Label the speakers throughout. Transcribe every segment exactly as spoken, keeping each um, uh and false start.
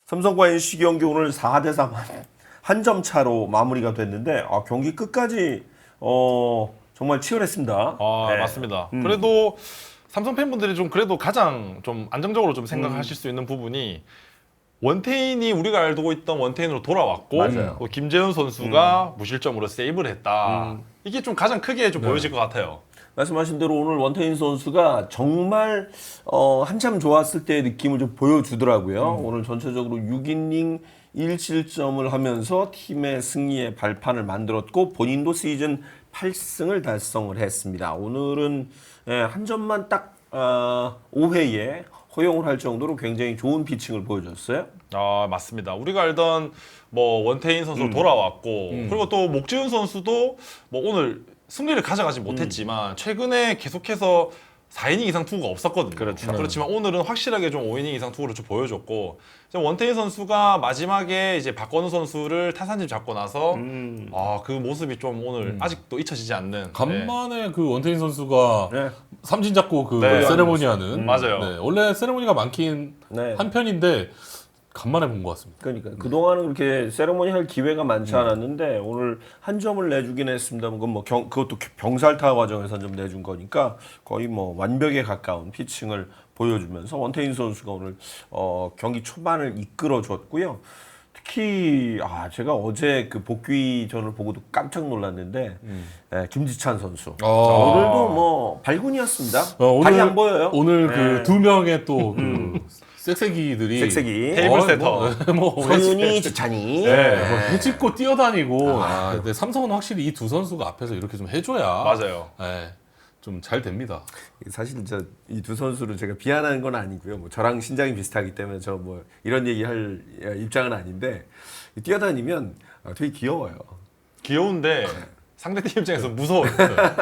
Speaker 1: 삼성과 엔씨 경기 오늘 사 대 삼 한 점 차로 마무리가 됐는데 아, 경기 끝까지 어, 정말 치열했습니다.
Speaker 2: 아
Speaker 1: 네.
Speaker 2: 맞습니다.
Speaker 1: 음.
Speaker 2: 그래도 삼성 팬분들이 좀 그래도 가장 좀 안정적으로 좀 생각하실
Speaker 1: 음.
Speaker 2: 수 있는 부분이 원태인이 우리가 알고 있던 원태인으로 돌아왔고
Speaker 1: 맞아요.
Speaker 2: 또 김재현 선수가 무실점으로 세이브를 했다.
Speaker 1: 음.
Speaker 2: 이게 좀 가장 크게 좀
Speaker 1: 네.
Speaker 2: 보여질 것 같아요.
Speaker 1: 말씀하신 대로 오늘 원태인 선수가 정말 어, 한참 좋았을 때의 느낌을 좀 보여주더라고요. 오늘 전체적으로 육 이닝 일 실점을 하면서 팀의 승리의 발판을 만들었고 본인도 시즌 팔 승을 달성을 했습니다. 오늘은 예, 한 점만 딱 어, 오 회에 허용을 할 정도로 굉장히 좋은 피칭을 보여줬어요.
Speaker 2: 아 맞습니다. 우리가 알던 뭐 원태인 선수
Speaker 1: 음.
Speaker 2: 돌아왔고 그리고 또 목지훈 선수도 뭐 오늘 승리를 가져가지 못했지만 최근에 계속해서 사 이닝 이상 투구가 없었거든요.
Speaker 1: 그렇죠.
Speaker 2: 그렇지만 오늘은 확실하게 좀 오 이닝 이상 투구를 좀 보여줬고 이제 원태인 선수가 마지막에 이제 박건우 선수를 타산집 잡고 나서
Speaker 1: 음.
Speaker 2: 아 그 모습이 좀 오늘 아직도 잊혀지지 않는 네.
Speaker 3: 간만에 그 원태인 선수가
Speaker 1: 네.
Speaker 3: 삼진 잡고 그
Speaker 2: 네.
Speaker 3: 세레모니 하는
Speaker 2: 음, 맞아요.
Speaker 3: 네, 원래 세레모니가 많긴
Speaker 1: 네.
Speaker 3: 한 편인데 간만에 본 것 같습니다.
Speaker 1: 그러니까 그동안은 그렇게 세레모니 할 기회가 많지 않았는데 오늘 한 점을 내주긴 했습니다만 그건 뭐 경, 그것도 병살타 과정에서 좀 내준 거니까 거의 뭐 완벽에 가까운 피칭을 보여주면서 원태인 선수가 오늘 어, 경기 초반을 이끌어줬고요. 특히 아 제가 어제 그 복귀전을 보고도 깜짝 놀랐는데 예, 김지찬 선수
Speaker 3: 아.
Speaker 1: 오늘도 뭐 발군이었습니다.
Speaker 3: 어,
Speaker 1: 발이
Speaker 3: 오늘-
Speaker 1: 안 보여요.
Speaker 3: 오늘
Speaker 1: 네.
Speaker 3: 그 두 명의 또 그 섹세기들이
Speaker 1: 섹세기.
Speaker 2: 테이블
Speaker 3: 어,
Speaker 2: 세터.
Speaker 3: 뭐, 뭐
Speaker 1: 서윤이, 지찬이.
Speaker 3: 네, 뭐 해집고 뛰어다니고 아, 근데 삼성은 확실히 이 두 선수가 앞에서 이렇게 좀 해줘야
Speaker 2: 맞아요.
Speaker 3: 네, 좀 잘 됩니다.
Speaker 1: 사실 저 이 두 선수를 제가 비하하는 건 아니고요. 뭐 저랑 신장이 비슷하기 때문에 저 뭐 이런 얘기할 입장은 아닌데 뛰어다니면 되게 귀여워요.
Speaker 2: 귀여운데 상대 팀 입장에서 무서워요.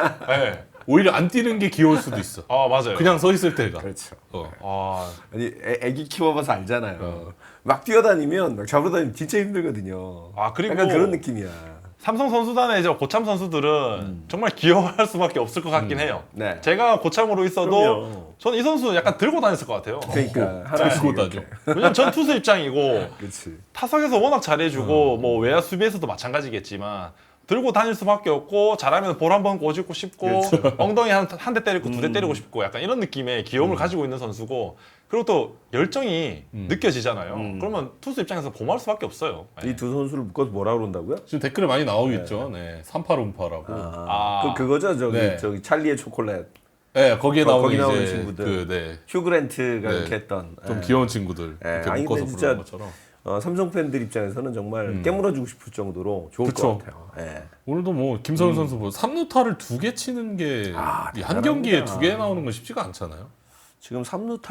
Speaker 2: 네.
Speaker 3: 오히려 안 뛰는 게 귀여울 수도 있어.
Speaker 2: 아 맞아요.
Speaker 3: 그냥 서 있을 때가.
Speaker 1: 그렇죠.
Speaker 3: 어.
Speaker 2: 아
Speaker 1: 아니 애, 애기 키워봐서 알잖아요. 막 뛰어다니면 막 잡으러 다니면 진짜 힘들거든요.
Speaker 2: 아, 그리고
Speaker 1: 약간 그런 느낌이야.
Speaker 2: 삼성 선수단의 이제 고참 선수들은 정말 귀여워할 수밖에 없을 것 같긴 해요.
Speaker 1: 네.
Speaker 2: 제가 고참으로 있어도
Speaker 1: 그럼요.
Speaker 2: 저는 이 선수 약간 들고 다녔을 것 같아요.
Speaker 1: 그러니까 하나씩
Speaker 3: 들고
Speaker 1: 이렇게.
Speaker 3: 다녀.
Speaker 2: 왜냐면 전 투수 입장이고
Speaker 1: 그렇지.
Speaker 2: 타석에서 워낙 잘해주고 뭐 외야 수비에서도 마찬가지겠지만 들고 다닐 수밖에 없고 잘하면 볼 한 번 꼬집고 싶고 엉덩이 한 한 대 때리고 두 대 때리고 싶고 약간 이런 느낌의 귀여움을 가지고 있는 선수고 그리고 또 열정이 느껴지잖아요.
Speaker 1: 음.
Speaker 2: 그러면 투수 입장에서 고마울 수밖에 없어요. 네.
Speaker 1: 이 두 선수를 묶어서 뭐라 그런다고요?
Speaker 3: 지금 댓글에 많이 나오고 있죠. 네, 삼팔옴파라고.
Speaker 1: 아,
Speaker 2: 아.
Speaker 1: 그 그거죠 저기
Speaker 3: 네.
Speaker 1: 저기 찰리의 초콜릿.
Speaker 3: 네, 거기에
Speaker 1: 거-
Speaker 3: 나오는
Speaker 1: 거기 나오는
Speaker 3: 이제
Speaker 1: 친구들.
Speaker 3: 그 네,
Speaker 1: 휴 그랜트가
Speaker 3: 네.
Speaker 1: 이렇게 했던
Speaker 3: 좀
Speaker 1: 예.
Speaker 3: 귀여운 친구들
Speaker 1: 예,
Speaker 3: 이렇게
Speaker 1: 아니,
Speaker 3: 묶어서
Speaker 1: 근데
Speaker 3: 부르는
Speaker 1: 진짜
Speaker 3: 것처럼.
Speaker 1: 어, 삼성 팬들 입장에서는 정말 깨물어주고 싶을 정도로 좋을
Speaker 3: 그쵸.
Speaker 1: 것 같아요. 예.
Speaker 3: 오늘도 뭐 김성윤 선수 뭐 삼 루타를 두 개 치는 게
Speaker 1: 아,
Speaker 3: 이 한 경기에
Speaker 1: 대단합니다.
Speaker 3: 두 개 나오는 건 쉽지가 않잖아요.
Speaker 1: 지금 삼 루타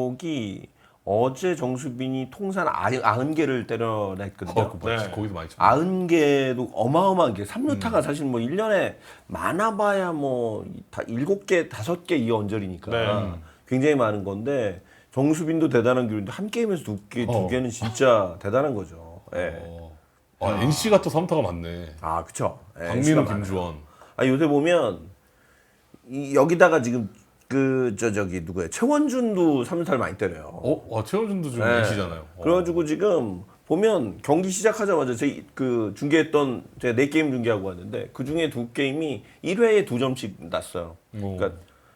Speaker 1: 기록이 어제 정수빈이 통산 아흔 개를 때려냈거든요.
Speaker 3: 어, 그
Speaker 2: 네.
Speaker 3: 거기도 많이 쳤네.
Speaker 1: 아흔 개도 어마어마한 게 삼 루타가 사실 뭐 일 년에 많아봐야 뭐 다 일곱 개, 다섯 개 이 언저리니까
Speaker 2: 네.
Speaker 1: 굉장히 많은 건데 정수빈도 대단한 기록인데 한 게임에서 두 개, 두
Speaker 3: 어.
Speaker 1: 개는 진짜 대단한 거죠. 예.
Speaker 3: 어. 아, 엔씨가 또 삼 루타가 많네.
Speaker 1: 아, 그쵸. 예,
Speaker 3: 박민우,
Speaker 1: 수가 많아요.
Speaker 3: 김주원.
Speaker 1: 아, 요새 보면 이, 여기다가 지금 그 저 저기 누구야 최원준도 삼 루타를 많이 때려요.
Speaker 3: 어, 와, 최원준도 지금
Speaker 1: 네.
Speaker 3: 엔씨잖아요. 어.
Speaker 1: 그래가지고 지금 보면 경기 시작하자마자 제 그 중계했던 제가 네 게임 중계하고 왔는데 그 중에 두 게임이 일 회에 두 점씩 났어요.
Speaker 3: 오.
Speaker 1: 그러니까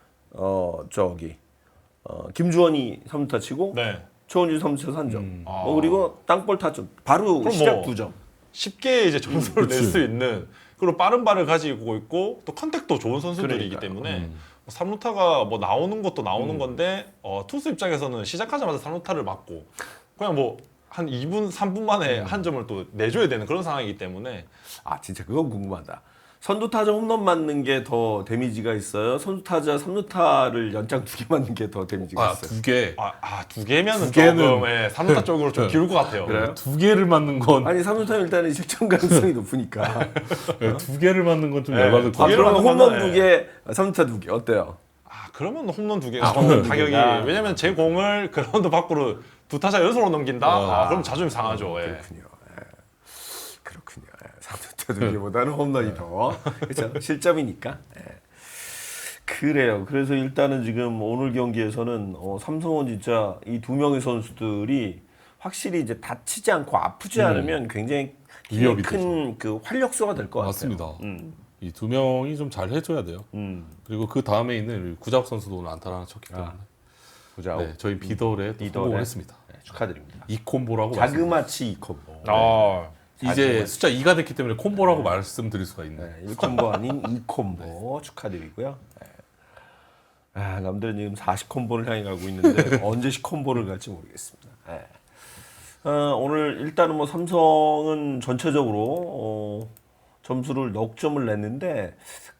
Speaker 1: 어 저기 어 김주원이 삼 루타 치고
Speaker 2: 네.
Speaker 1: 최원준 삼 루타 삼 점.
Speaker 3: 음.
Speaker 1: 뭐 그리고 땅볼 타점 바로
Speaker 2: 그럼
Speaker 1: 시작
Speaker 2: 뭐
Speaker 1: 두 점.
Speaker 2: 쉽게 이제 점수를 낼
Speaker 3: 그치.
Speaker 2: 수 있는 그리고 빠른 발을 가지고 있고 또 컨택도 좋은 선수들이기
Speaker 1: 그러니까요.
Speaker 2: 때문에 삼 루타가 뭐 나오는 것도 나오는 건데 어, 투수 입장에서는 시작하자마자 삼 루타를 맞고 그냥 뭐 한 이 분, 삼 분 만에 한 점을 또 내줘야 되는 그런 상황이기 때문에
Speaker 1: 아 진짜 그건 궁금하다. 선두 타자 홈런 맞는 게 더 데미지가 있어요. 선두 타자 삼 루타를 연장 두 개 맞는 게 더 데미지가
Speaker 3: 아,
Speaker 1: 있어요.
Speaker 3: 두 개.
Speaker 2: 아, 아, 두 개면은
Speaker 3: 두 개는-
Speaker 2: 조금 예, 삼 루타 쪽으로 좀 기울 것 같아요.
Speaker 1: 그래요?
Speaker 3: 두 개를 맞는 건
Speaker 1: 아니 삼 루타는 일단은 실점 가능성이 높으니까.
Speaker 3: 네, 두 개를 맞는 건 좀
Speaker 2: 네,
Speaker 3: 열받을
Speaker 2: 두
Speaker 3: 것
Speaker 1: 아,
Speaker 2: 개를
Speaker 3: 같아요.
Speaker 1: 그러면
Speaker 2: 맞는
Speaker 1: 홈런
Speaker 2: 거는,
Speaker 1: 두 개, 삼 루타 두 개 어때요?
Speaker 2: 아, 그러면 홈런 두
Speaker 1: 아,
Speaker 2: 개가
Speaker 1: 홈런 두
Speaker 2: 가격이
Speaker 1: 개가.
Speaker 2: 왜냐면 제 공을 그라운드 밖으로 두 타자 연속으로 넘긴다.
Speaker 3: 아.
Speaker 2: 아, 그럼 자존심 상하죠. 예.
Speaker 1: 그렇군요. 예. 그렇군요. 예. 삼 루타 두 개보다는 홈런이 더 그렇죠. 실점이니까. 예. 그래요. 그래서 일단은 지금 오늘 경기에서는 어, 삼성은 진짜 이 두 명의 선수들이 확실히 이제 다치지 않고 아프지 않으면 굉장히
Speaker 3: 위협이
Speaker 1: 큰 그 활력소가 될 것 같아요.
Speaker 3: 맞습니다.
Speaker 1: 음.
Speaker 3: 이 두 명이 좀 잘 해줘야 돼요.
Speaker 1: 음.
Speaker 3: 그리고 그 다음에 있는 구자욱 선수도 오늘 안타 하나 쳤기 때문에
Speaker 1: 보자.
Speaker 3: 네, 저희 비더에 또 성공을 했습니다.
Speaker 1: 네, 축하드립니다.
Speaker 3: 이 콤보라고 말씀.
Speaker 1: 자그마치 이 콤보.
Speaker 2: 아,
Speaker 3: 이제 숫자 이가 됐기 때문에 콤보라고 말씀드릴 수가 있네요.
Speaker 1: 네, 일 콤보 아닌 이 콤보 축하드리고요. 네. 아, 남들은 지금 사십 콤보를 향해 가고 있는데 언제 십 콤보를 갈지 모르겠습니다. 네. 어, 오늘 일단은 뭐 삼성은 전체적으로 어, 점수를 넉 점을 냈는데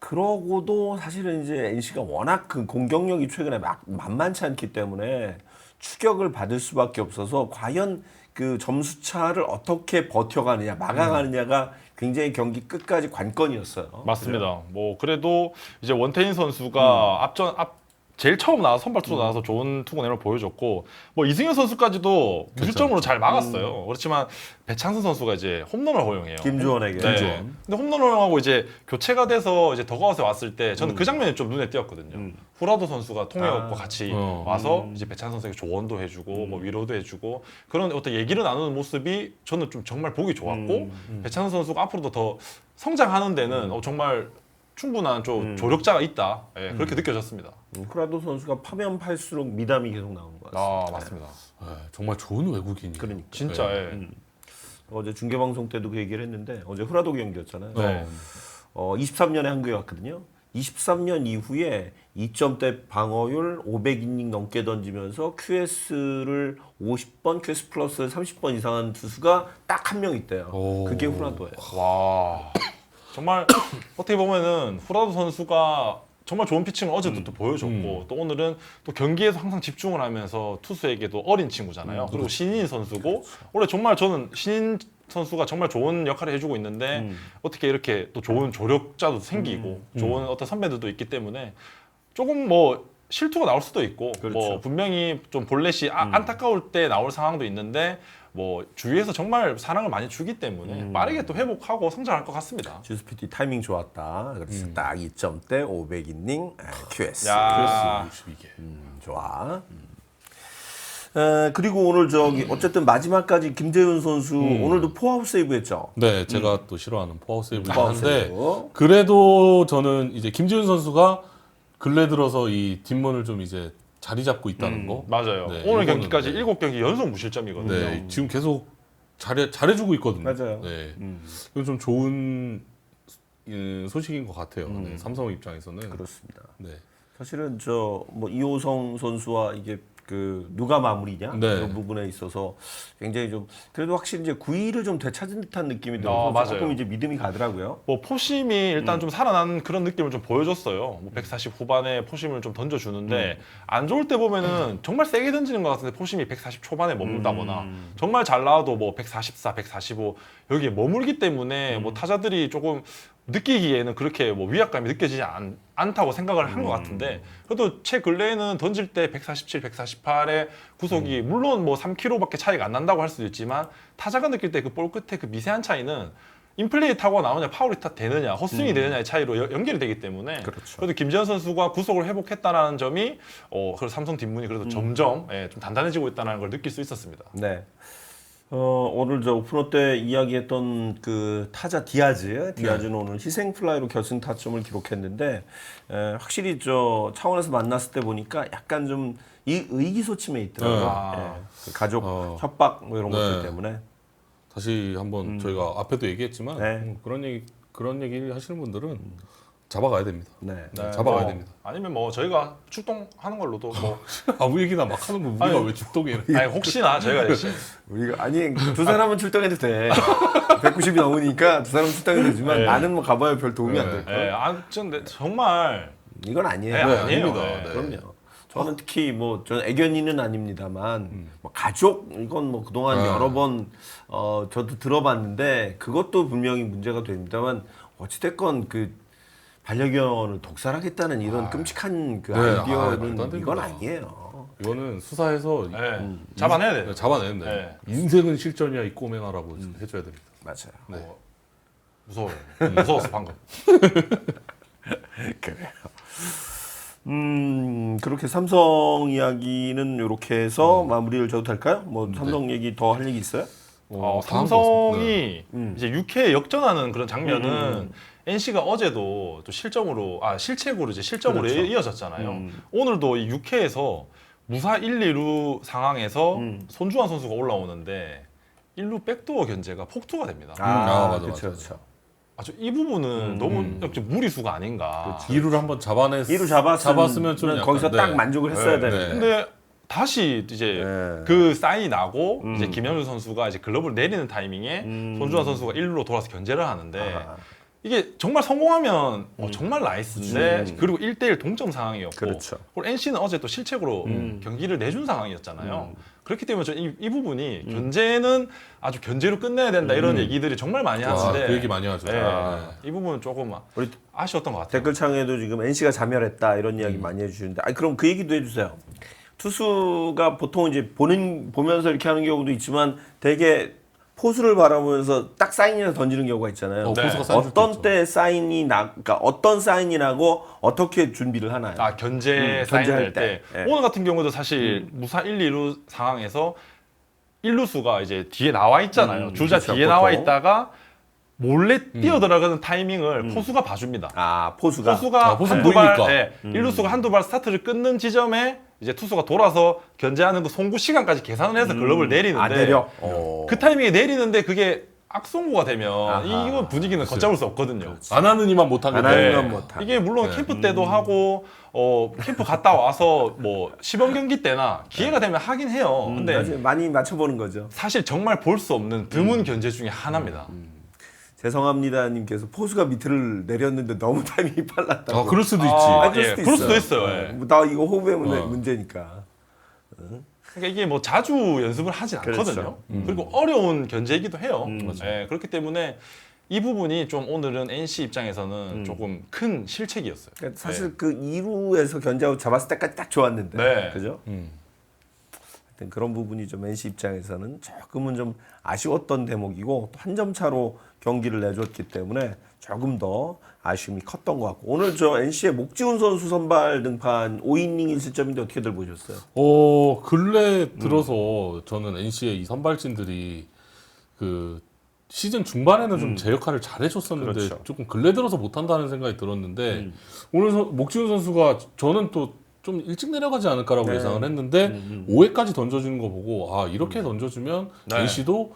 Speaker 1: 그러고도 사실은 이제 엔씨가 워낙 그 공격력이 최근에 막 만만치 않기 때문에 추격을 받을 수밖에 없어서 과연 그 점수 차를 어떻게 버텨가느냐 막아가느냐가 굉장히 경기 끝까지 관건이었어요.
Speaker 2: 맞습니다. 뭐 그래도 이제 원태인 선수가 앞전 앞 제일 처음 나와서 선발 투수 나와서 좋은 투구 내용을 보여줬고 뭐 이승현 선수까지도 무실점으로 잘 막았어요. 그렇지만 배창선 선수가 이제 홈런을 허용해요.
Speaker 1: 김주원에게.
Speaker 2: 네.
Speaker 1: 김주원.
Speaker 2: 근데 홈런 허용하고 이제 교체가 돼서 이제 더가웃에 왔을 때 저는 그 장면이 좀 눈에 띄었거든요. 후라도 선수가 통역과
Speaker 1: 아.
Speaker 2: 같이
Speaker 3: 어.
Speaker 2: 와서 이제 배창선 선수에게 조언도 해주고 뭐 위로도 해주고 그런 어떤 얘기를 나누는 모습이 저는 좀 정말 보기 좋았고 배창선 선수가 앞으로도 더 성장하는 데는 어, 정말 충분한 좀 조력자가 있다. 예, 그렇게 느껴졌습니다.
Speaker 1: 음, 후라도 선수가 파면 팔수록 미담이 계속 나오는 것 같습니다.
Speaker 2: 아 맞습니다.
Speaker 3: 네, 정말 좋은 외국인이에요.
Speaker 1: 그러니까.
Speaker 2: 진짜
Speaker 3: 네.
Speaker 2: 예.
Speaker 1: 어제 중계 방송 때도 그 얘기를 했는데 어제 후라도 경기였잖아요.
Speaker 2: 네.
Speaker 1: 어, 이십삼 년에 한국에 왔거든요. 이십삼 년 이후에 이 점대 방어율 오백 이닝 넘게 던지면서 큐에스를 오십 번, 큐에스 플러스 삼십 번 이상한 투수가 딱 한 명 있대요.
Speaker 3: 오.
Speaker 1: 그게 후라도예요.
Speaker 2: 와 정말 어떻게 보면은 후라도 선수가 정말 좋은 피칭을 어제도 또 보여줬고
Speaker 3: 음.
Speaker 2: 또 오늘은 또 경기에서 항상 집중을 하면서 투수에게도 어린 친구잖아요. 그리고 신인 선수고 올해 정말 저는 신인 선수가 정말 좋은 역할을 해주고 있는데
Speaker 1: 음.
Speaker 2: 어떻게 이렇게 또 좋은 조력자도 생기고 좋은 어떤 선배들도 있기 때문에 조금 뭐 실투가 나올 수도 있고
Speaker 1: 그렇죠.
Speaker 2: 뭐 분명히 좀 볼넷이 아, 안타까울 때 나올 상황도 있는데 뭐 주위에서 정말 사랑을 많이 주기 때문에 빠르게 또 회복하고 성장할 것 같습니다.
Speaker 1: 주스 피티 타이밍 좋았다. 그래서 딱 이 점대 오백 이닝 큐에스.
Speaker 2: 야.
Speaker 3: 육십이 개.
Speaker 1: 음, 좋아. 음. 에, 그리고 오늘 저기 어쨌든 마지막까지 김재훈 선수 오늘도 포아웃 세이브했죠.
Speaker 3: 네, 제가 또 싫어하는 포아웃 세이브를
Speaker 1: 포아웃
Speaker 3: 하는데
Speaker 1: 세이브.
Speaker 3: 그래도 저는 이제 김지훈 선수가 근래 들어서 이 뒷문을 좀 이제 자리 잡고 있다는 거.
Speaker 2: 맞아요.
Speaker 3: 네,
Speaker 2: 오늘
Speaker 3: 이거는
Speaker 2: 경기까지
Speaker 3: 네.
Speaker 2: 일곱 경기 연속 무실점이거든요.
Speaker 3: 네, 지금 계속 잘해 잘해주고 있거든요.
Speaker 1: 맞아요.
Speaker 3: 네,
Speaker 1: 음,
Speaker 3: 이건 좀 좋은 음, 소식인 것 같아요. 네, 삼성 입장에서는.
Speaker 1: 그렇습니다.
Speaker 3: 네,
Speaker 1: 사실은 저 뭐 이호성 선수와 이게 그 누가 마무리냐
Speaker 3: 네.
Speaker 1: 그런 부분에 있어서 굉장히 좀 그래도 확실히 이제 구 위를 좀 되찾은 듯한 느낌이 들어서
Speaker 2: 아, 맞아요.
Speaker 1: 조금 이제 믿음이 가더라고요.
Speaker 2: 뭐 포심이 일단 좀 살아난 그런 느낌을 좀 보여줬어요. 뭐 백사십 후반에 포심을 좀 던져주는데 안 좋을 때 보면은 정말 세게 던지는 것 같은데 포심이 백사십 초반에 머문다거나 정말 잘 나와도 뭐 백사십사, 백사십오 여기에 머물기 때문에 뭐 타자들이 조금 느끼기에는 그렇게 뭐 위압감이 느껴지지 않, 않다고 생각을 한 것 같은데 그래도 최근래에는 던질 때 백사십칠, 백사십팔의 구속이 물론 뭐 삼 킬로미터밖에 차이가 안 난다고 할 수도 있지만 타자가 느낄 때 그 볼 끝에 그 미세한 차이는 인플레이 타고 나오냐 파울이 타 되느냐 헛스윙이 되느냐의 차이로 여- 연결이 되기 때문에
Speaker 1: 그렇죠.
Speaker 2: 그래도 김재현 선수가 구속을 회복했다는 점이 어 그래서 삼성 뒷문이 그래도 점점 예, 좀 단단해지고 있다는 걸 느낄 수 있었습니다.
Speaker 1: 네. 어, 오늘 저 오프너 때 이야기했던 그 타자 디아즈, 디아즈는 오늘 희생 플라이로 결승 타점을 기록했는데 에, 확실히 저 차원에서 만났을 때 보니까 약간 좀 이 의기소침해 있더라고요.
Speaker 3: 네.
Speaker 2: 아.
Speaker 1: 예, 그 가족
Speaker 3: 어.
Speaker 1: 협박 뭐 이런
Speaker 3: 네.
Speaker 1: 것들 때문에.
Speaker 3: 다시 한번 저희가 앞에도 얘기했지만
Speaker 1: 네.
Speaker 3: 음, 그런 얘기 그런 얘기를 하시는 분들은 잡아가야 됩니다.
Speaker 1: 네.
Speaker 3: 네, 잡아가야
Speaker 2: 뭐,
Speaker 3: 됩니다.
Speaker 2: 아니면 뭐 저희가 출동하는 걸로도 뭐
Speaker 3: 아무 얘기나 막 하는 거 우리가
Speaker 2: 아니,
Speaker 3: 왜 죽동이래?
Speaker 2: 아니 혹시나 저희가 대신
Speaker 1: 우리가 아니 두 사람은 출동해도 돼. 백구십이 넘으니까 두 사람은 출동해도 되지만
Speaker 2: 네.
Speaker 1: 나는 뭐 가봐야 별 도움이 안 될 거야.
Speaker 2: 예, 아, 근데 정말
Speaker 1: 이건 아니에요.
Speaker 2: 네, 아니에요.
Speaker 3: 아닙니다.
Speaker 2: 네.
Speaker 3: 네.
Speaker 1: 그럼요. 저는 특히 뭐 저는 애견이는 아닙니다만 뭐 가족 이건 뭐 그동안
Speaker 3: 아.
Speaker 1: 여러 번 어, 저도 들어봤는데 그것도 분명히 문제가 됩니다만 어찌됐건 그 반려견을 독살하겠다는 이런 끔찍한 그
Speaker 3: 네, 아, 말도 안
Speaker 1: 아이디어는
Speaker 3: 됩니다.
Speaker 1: 이건 아니에요.
Speaker 3: 이거는 수사해서
Speaker 2: 예, 잡아내야 돼요.
Speaker 3: 네, 잡아내면 돼요.
Speaker 2: 네.
Speaker 3: 인생은 실전이야 이 꼬맹아라고 좀 해줘야 됩니다.
Speaker 1: 맞아요.
Speaker 3: 네.
Speaker 2: 무서워요. 무서웠어 방금.
Speaker 1: 그래요. 음, 그렇게 삼성 이야기는 이렇게 해서 마무리를 줘도 될까요? 뭐 삼성 얘기 더 할 얘기 있어요?
Speaker 2: 어,
Speaker 3: 다음
Speaker 2: 삼성이
Speaker 1: 음.
Speaker 2: 이제 육 회 역전하는 그런 장면은
Speaker 1: 음, 음, 음.
Speaker 2: 엔씨가 어제도 또 실점으로 아 실책으로 이제 실점으로
Speaker 1: 그렇죠.
Speaker 2: 이어졌잖아요.
Speaker 1: 음.
Speaker 2: 오늘도 이 육 회에서 무사 일, 이 루 상황에서
Speaker 1: 음.
Speaker 2: 손주환 선수가 올라오는데 일 루 백도어 견제가 폭투가 됩니다.
Speaker 3: 아, 맞아,
Speaker 1: 그렇죠,
Speaker 3: 맞아.
Speaker 1: 그렇죠.
Speaker 2: 아주 이 부분은
Speaker 1: 음.
Speaker 2: 너무 좀 무리수가 아닌가.
Speaker 3: 이 루를 한번 잡아냈
Speaker 1: 이루 잡았으면,
Speaker 3: 잡았으면 좀 약간,
Speaker 1: 거기서
Speaker 3: 네.
Speaker 1: 딱 만족을 했어야
Speaker 3: 네,
Speaker 1: 되는데.
Speaker 2: 근데 다시 이제
Speaker 1: 네.
Speaker 2: 그 사인이 나고
Speaker 1: 음.
Speaker 2: 이제 김현주 선수가 이제 글러브를 내리는 타이밍에
Speaker 1: 음.
Speaker 2: 손주환 선수가 일 루로 돌아서 견제를 하는데
Speaker 1: 아하.
Speaker 2: 이게 정말 성공하면 어, 정말 나이스인데
Speaker 1: 음.
Speaker 2: 그리고 일 대 일 동점 상황이었고
Speaker 1: 그렇죠.
Speaker 2: 그리고 엔씨는 어제 또 실책으로
Speaker 1: 음.
Speaker 2: 경기를 내준 상황이었잖아요.
Speaker 1: 음.
Speaker 2: 그렇기 때문에 저는 이, 이 부분이 견제는 아주 견제로 끝내야 된다 이런
Speaker 1: 음.
Speaker 2: 얘기들이 정말 많이
Speaker 3: 아,
Speaker 2: 하는데
Speaker 3: 그 얘기 많이 하죠.
Speaker 2: 네,
Speaker 3: 아.
Speaker 2: 이 부분은 조금
Speaker 1: 우리
Speaker 2: 아쉬웠던 것 같아요.
Speaker 1: 댓글창에도 지금 엔씨가 자멸했다 이런
Speaker 3: 음.
Speaker 1: 이야기 많이 해주시는데, 아 그럼 그 얘기도 해주세요. 투수가 보통 이제 보는 보면서 이렇게 하는 경우도 있지만 되게 포수를 바라보면서 딱 사인이나 던지는 경우가 있잖아요.
Speaker 3: 어,
Speaker 2: 네.
Speaker 3: 포수가 사인 줄
Speaker 1: 어떤
Speaker 3: 있죠.
Speaker 1: 때 사인이 나, 그러니까 어떤 사인이 나고 어떻게 준비를 하나요?
Speaker 2: 아 견제
Speaker 1: 음,
Speaker 2: 사인할
Speaker 1: 견제할
Speaker 2: 때,
Speaker 1: 때. 예.
Speaker 2: 오늘 같은 경우도 사실 무사 일, 이 루 상황에서 일 루수가 이제 뒤에 나와 있잖아요.
Speaker 1: 음,
Speaker 2: 주자
Speaker 1: 그렇죠,
Speaker 2: 뒤에 나와
Speaker 1: 보통.
Speaker 2: 있다가 몰래 뛰어 들어가는 타이밍을 포수가 봐줍니다.
Speaker 1: 아 포수가.
Speaker 2: 포수가
Speaker 3: 아, 포수
Speaker 2: 한두 발,
Speaker 3: 보이니까.
Speaker 2: 예, 일 루수가 한두 발 스타트를 끊는 지점에 이제 투수가 돌아서 견제하는 그 송구 시간까지 계산을 해서 글러브를 내리는데
Speaker 1: 아 내려. 어.
Speaker 2: 그 타이밍에 내리는데 그게 악송구가 되면
Speaker 1: 아하.
Speaker 2: 이거 분위기는 걷잡을 수 없거든요.
Speaker 3: 안 하는 이만 못한
Speaker 1: 안
Speaker 3: 건데.
Speaker 1: 하는
Speaker 2: 네.
Speaker 1: 건 못하.
Speaker 2: 이게 물론
Speaker 3: 네.
Speaker 2: 캠프 때도 하고 어 캠프 갔다 와서 뭐 시범 경기 때나 기회가 되면 하긴 해요. 근데
Speaker 1: 나중에 많이 맞춰보는 거죠.
Speaker 2: 사실 정말 볼 수 없는 드문 견제 중에 하나입니다.
Speaker 1: 죄송합니다님께서 포수가 밑을 내렸는데 너무 타이밍이 빨랐다고.
Speaker 3: 아, 그럴 수도 있지.
Speaker 2: 아,
Speaker 1: 아, 그럴
Speaker 2: 예,
Speaker 1: 수도
Speaker 2: 그럴
Speaker 1: 있어요.
Speaker 2: 수도 있어요. 예.
Speaker 1: 뭐 나 이거 호흡의 문제,
Speaker 3: 어.
Speaker 1: 문제니까.
Speaker 2: 그러니까 이게 뭐 자주 연습을 하진 않거든요.
Speaker 1: 그렇죠.
Speaker 2: 그리고 어려운 견제이기도 해요.
Speaker 1: 음.
Speaker 2: 예, 그렇기 때문에 이 부분이 좀 오늘은 엔씨 입장에서는
Speaker 1: 음.
Speaker 2: 조금 큰 실책이었어요.
Speaker 1: 그러니까 사실 그 이 루에서 견제하고 잡았을 때까지 딱 좋았는데,
Speaker 2: 네.
Speaker 1: 그죠?
Speaker 3: 음.
Speaker 1: 하여튼 그런 부분이 좀 엔씨 입장에서는 조금은 좀 아쉬웠던 대목이고 또 한 점 차로 경기를 내줬기 때문에 조금 더 아쉬움이 컸던 것 같고, 오늘 저 엔씨의 목지훈 선수 선발 등판 오 이닝 일 실점인데 어떻게들 보셨어요?
Speaker 3: 어 근래 들어서 저는 엔씨의 이 선발진들이 그 시즌 중반에는 좀 제 역할을 잘 해줬었는데
Speaker 1: 그렇죠.
Speaker 3: 조금 근래 들어서 못한다는 생각이 들었는데
Speaker 1: 음.
Speaker 3: 오늘 서, 목지훈 선수가 저는 또 좀 일찍 내려가지 않을까라고
Speaker 1: 네.
Speaker 3: 예상을 했는데
Speaker 1: 음,
Speaker 3: 오 회까지 던져주는 거 보고 아 이렇게 던져주면
Speaker 2: 네.
Speaker 3: 엔씨도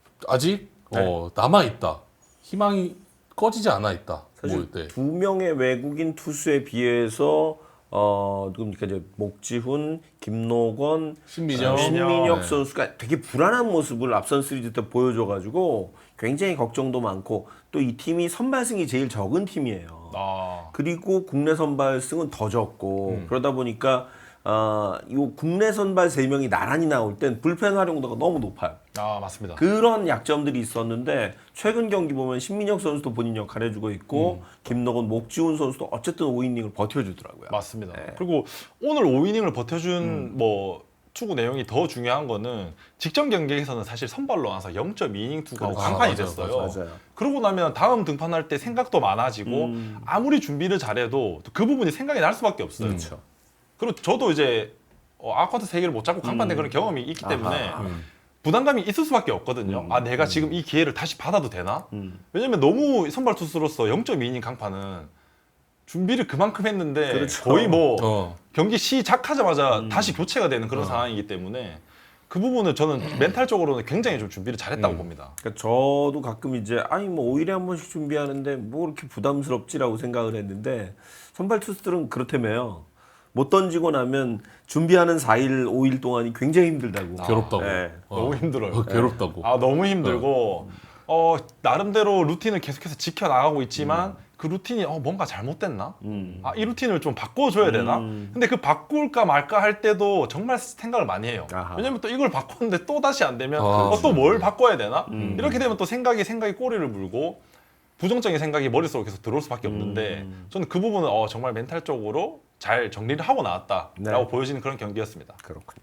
Speaker 3: 아직 어, 남아 있다, 희망이 꺼지지 않아 있다.
Speaker 1: 사실
Speaker 3: 뭐, 네.
Speaker 1: 두 명의 외국인 투수에 비해서 어 누굽니까 이제 목지훈, 김노건,
Speaker 3: 신민혁,
Speaker 1: 어, 신민혁
Speaker 3: 네.
Speaker 1: 선수가 되게 불안한 모습을 앞선 시리즈 때 보여줘가지고 굉장히 걱정도 많고, 또 이 팀이 선발승이 제일 적은 팀이에요.
Speaker 2: 아,
Speaker 1: 그리고 국내 선발승은 더 적고
Speaker 3: 음.
Speaker 1: 그러다 보니까 어, 이 국내 선발 세 명이 나란히 나올 땐 불펜 활용도가 너무 높아요.
Speaker 2: 아 맞습니다.
Speaker 1: 그런 약점들이 있었는데 최근 경기 보면 신민혁 선수도 본인 역할 해주고 있고 김노건, 목지훈 선수도 어쨌든 오 이닝을 버텨주더라고요.
Speaker 2: 맞습니다.
Speaker 1: 네.
Speaker 2: 그리고 오늘 오 이닝을 버텨준
Speaker 1: 음.
Speaker 2: 뭐 투구 내용이 더 중요한 거는 직전 경기에서는 사실 선발로 나와서 영 점 이 이닝 투구가
Speaker 1: 그렇죠.
Speaker 2: 강판이
Speaker 3: 아, 맞아요,
Speaker 2: 됐어요.
Speaker 1: 맞아요.
Speaker 2: 그러고 나면 다음 등판할 때 생각도 많아지고
Speaker 1: 음.
Speaker 2: 아무리 준비를 잘해도 그 부분이 생각이 날 수밖에 없어요.
Speaker 1: 그렇죠.
Speaker 2: 그리고 저도 이제 어, 아쿠아트 세 개를 못 잡고 강판된
Speaker 1: 음.
Speaker 2: 그런 경험이 있기 때문에
Speaker 1: 아하.
Speaker 3: 음.
Speaker 2: 부담감이 있을 수밖에 없거든요.
Speaker 1: 음.
Speaker 2: 아 내가 지금 이 기회를 다시 받아도 되나?
Speaker 1: 음.
Speaker 2: 왜냐면 너무 선발 투수로서 영 점 이 이닝 강판은 준비를 그만큼 했는데
Speaker 1: 그렇죠.
Speaker 2: 거의 뭐
Speaker 3: 어.
Speaker 2: 경기 시작하자마자
Speaker 1: 음.
Speaker 2: 다시 교체가 되는 그런
Speaker 3: 어.
Speaker 2: 상황이기 때문에 그 부분은 저는 멘탈적으로는 굉장히 좀 준비를 잘했다고
Speaker 3: 음.
Speaker 2: 봅니다.
Speaker 1: 그러니까 저도 가끔 이제 아니 뭐 오 일에 한 번씩 준비하는데 뭐 이렇게 부담스럽지라고 생각을 했는데 선발 투수들은 그렇다며요. 못 던지고 나면 준비하는 사 일, 오 일 동안이 굉장히 힘들다고.
Speaker 3: 괴롭다고.
Speaker 1: 네.
Speaker 3: 어.
Speaker 2: 너무 힘들어요.
Speaker 3: 어, 괴롭다고.
Speaker 2: 아 너무 힘들고 어 나름대로 루틴을 계속해서 지켜 나가고 있지만 그 루틴이 어 뭔가 잘못됐나?
Speaker 1: 음.
Speaker 2: 아 이 루틴을 좀 바꿔줘야 되나?
Speaker 1: 음.
Speaker 2: 근데 그 바꿀까 말까 할 때도 정말 생각을 많이 해요.
Speaker 1: 아하.
Speaker 2: 왜냐면 또 이걸 바꿨는데 또 다시 안 되면
Speaker 3: 아,
Speaker 2: 어, 또 뭘 바꿔야 되나?
Speaker 1: 음.
Speaker 2: 이렇게 되면 또 생각이 생각이 꼬리를 물고 부정적인 생각이 머릿속으로 계속 들어올 수밖에 없는데
Speaker 1: 음.
Speaker 2: 저는 그 부분은 어, 정말 멘탈적으로 잘 정리를 하고 나왔다라고
Speaker 1: 네.
Speaker 2: 보여지는 그런 경기였습니다.
Speaker 1: 그렇군요.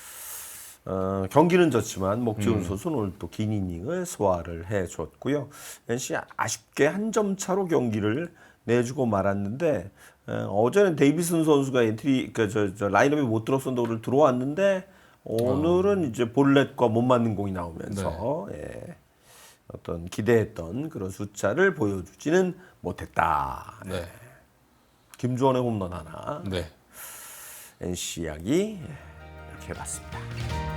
Speaker 1: 어, 경기는 졌지만 목지훈
Speaker 3: 음.
Speaker 1: 선수는 오늘 또 긴 이닝을 소화를 해줬고요. 엔씨 아쉽게 한 점 차로 경기를 내주고 말았는데 예, 어제는 데이비슨 선수가 엔트리 그저 저 라인업에 못 들었었는데 오늘 들어왔는데 오늘은 이제 볼넷과 못 맞는 공이 나오면서 예, 어떤 기대했던 그런 숫자를 보여주지는 못했다.
Speaker 3: 네.
Speaker 1: 김주원의 홈런 하나.
Speaker 3: 네.
Speaker 1: 엔씨 이야기 예, 이렇게 해봤습니다.